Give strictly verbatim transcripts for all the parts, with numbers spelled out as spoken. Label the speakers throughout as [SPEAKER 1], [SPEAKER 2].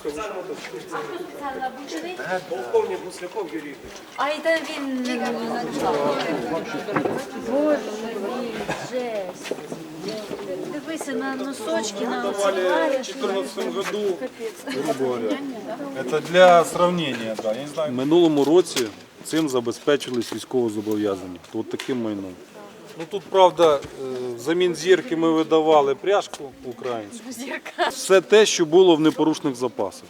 [SPEAKER 1] Спеціально обучений?
[SPEAKER 2] Полковник Гусляков Юрій.
[SPEAKER 1] А і там він не Боже мій, жесть. Дивися на носочки, на
[SPEAKER 2] Давали в
[SPEAKER 1] оцеларі.
[SPEAKER 2] две тысячи четырнадцатом году, грубо говоря. Это для сравнения, да. Я не знаю.
[SPEAKER 3] В минулому році цим забезпечились військовозобов'язані. От таким майном. Ну тут, правда, взамін зірки ми видавали пряжку українську. Все те, що було в непорушних запасах.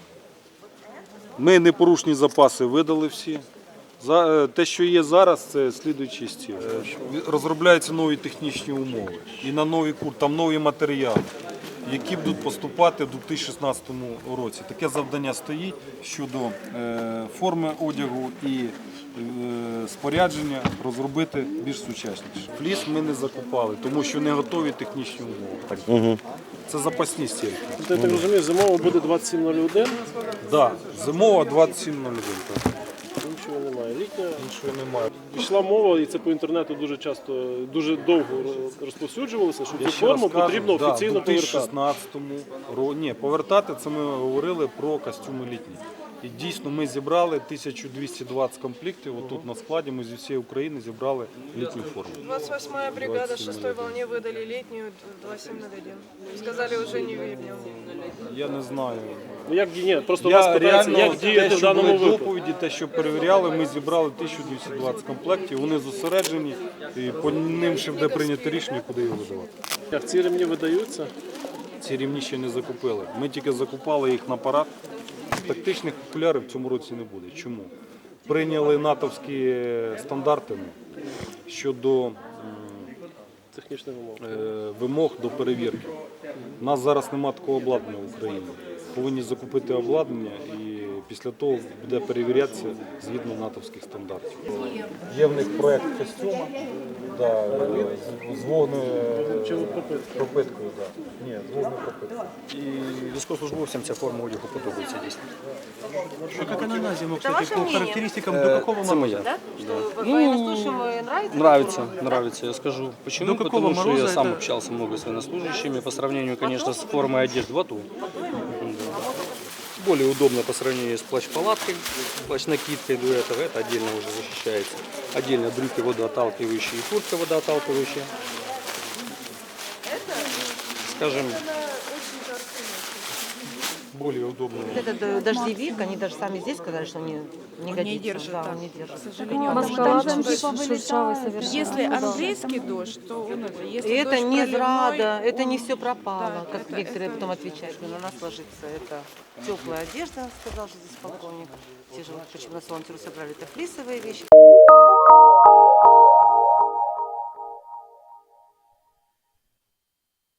[SPEAKER 3] Ми непорушні запаси видали всі. За- Те, що є зараз, це слідуючий стіл. Розробляються нові технічні умови. І на новий курс, там нові матеріали, які будуть поступати в дві тисячі шістнадцятому році. Таке завдання стоїть щодо е, форми одягу і е, спорядження розробити більш сучасніше. Фліс ми не закупали, тому що не готові технічні умови. Так. Угу. Це запасні стільки.
[SPEAKER 4] Тобто, я так розумію, зимово буде двадцять сім нуль один,
[SPEAKER 3] Да, зимова двадцять сім нуль один. Так.
[SPEAKER 4] нічого немає. Літня.
[SPEAKER 3] Іншого немає.
[SPEAKER 4] Пішла мова, і це по інтернету дуже часто, дуже довго розповсюджувалося, що
[SPEAKER 3] Я
[SPEAKER 4] цю
[SPEAKER 3] ще раз
[SPEAKER 4] форму
[SPEAKER 3] кажу,
[SPEAKER 4] потрібно
[SPEAKER 3] да,
[SPEAKER 4] офіційно
[SPEAKER 3] в дві тисячі
[SPEAKER 4] повертати.
[SPEAKER 3] шістнадцятому році. Ні, повертати це ми говорили про костюми літні. І дійсно ми зібрали тисячу двісті двадцять комплектів. Отут на складі ми зі всієї України зібрали літню форму.
[SPEAKER 5] двадцать восьмая бригада шестой волне выдали летнюю двадцать семь ноль один. Сказали, уже не вернем.
[SPEAKER 3] Я не знаю.
[SPEAKER 4] Ну, як, ні, просто вас
[SPEAKER 3] Я
[SPEAKER 4] питається,
[SPEAKER 3] реально
[SPEAKER 4] як діяти
[SPEAKER 3] те,
[SPEAKER 4] в
[SPEAKER 3] що
[SPEAKER 4] даному
[SPEAKER 3] були
[SPEAKER 4] випадку.
[SPEAKER 3] доповіді, те, що перевіряли, ми зібрали тисячу двісті двадцять комплектів. Вони зосереджені і по ним ще буде прийнято рішення, куди їх видавати.
[SPEAKER 4] Як ці ремні видаються?
[SPEAKER 3] Ці рівні ще не закупили. Ми тільки закупали їх на парад. Тактичних окулярів в цьому році не буде. Чому? Прийняли натовські стандарти щодо м,
[SPEAKER 4] Технічних умов.
[SPEAKER 3] е, вимог до перевірки. У нас зараз немає такого обладнання в Україні. Повинні закупити обладнання і після того буде перевірятися згідно натовських стандартів. Є в них проєкт костюма да, з- з вогнепропиткою. Да. Ні, з вогнепропиткою.
[SPEAKER 6] І військовослужбовцям ця форма одягу подобається дійсно.
[SPEAKER 7] А как она на зиму, кстати, по характеристикам до какого
[SPEAKER 6] Це
[SPEAKER 7] мороза?
[SPEAKER 6] моя.
[SPEAKER 5] Вот военнослужащим нравится?
[SPEAKER 6] Нравится, нравится, я скажу. Почему?
[SPEAKER 7] До какого
[SPEAKER 6] Потому что я
[SPEAKER 7] мороза
[SPEAKER 6] сам
[SPEAKER 7] это-
[SPEAKER 6] общался много с военнослужащими по сравнению, конечно, с формой одежды в АТО. Более удобно по сравнению с плащ-палаткой, плащ-накидкой до этого. Это отдельно уже защищается. Отдельно брюки водоотталкивающие и куртка водоотталкивающая. Скажем, более удобно.
[SPEAKER 8] Этот э, дождевик, они даже сами здесь сказали, что не, не годится.
[SPEAKER 5] держит,
[SPEAKER 8] да,
[SPEAKER 5] да.
[SPEAKER 8] он не держит.
[SPEAKER 5] К сожалению,
[SPEAKER 1] Москва там типа вылетает.
[SPEAKER 5] если английский дождь, то он это.
[SPEAKER 8] И
[SPEAKER 5] Если
[SPEAKER 8] это
[SPEAKER 5] дождь
[SPEAKER 8] не
[SPEAKER 5] проливной,
[SPEAKER 8] зрада, это не
[SPEAKER 5] он-
[SPEAKER 8] все пропало,
[SPEAKER 5] Да,
[SPEAKER 8] как
[SPEAKER 5] это-
[SPEAKER 8] некоторые
[SPEAKER 5] это-
[SPEAKER 8] потом отвечают, что на нас ложится. Это теплая одежда, сказал же здесь полковник. Те же вот почему на солнце собрали, это флисовые вещи.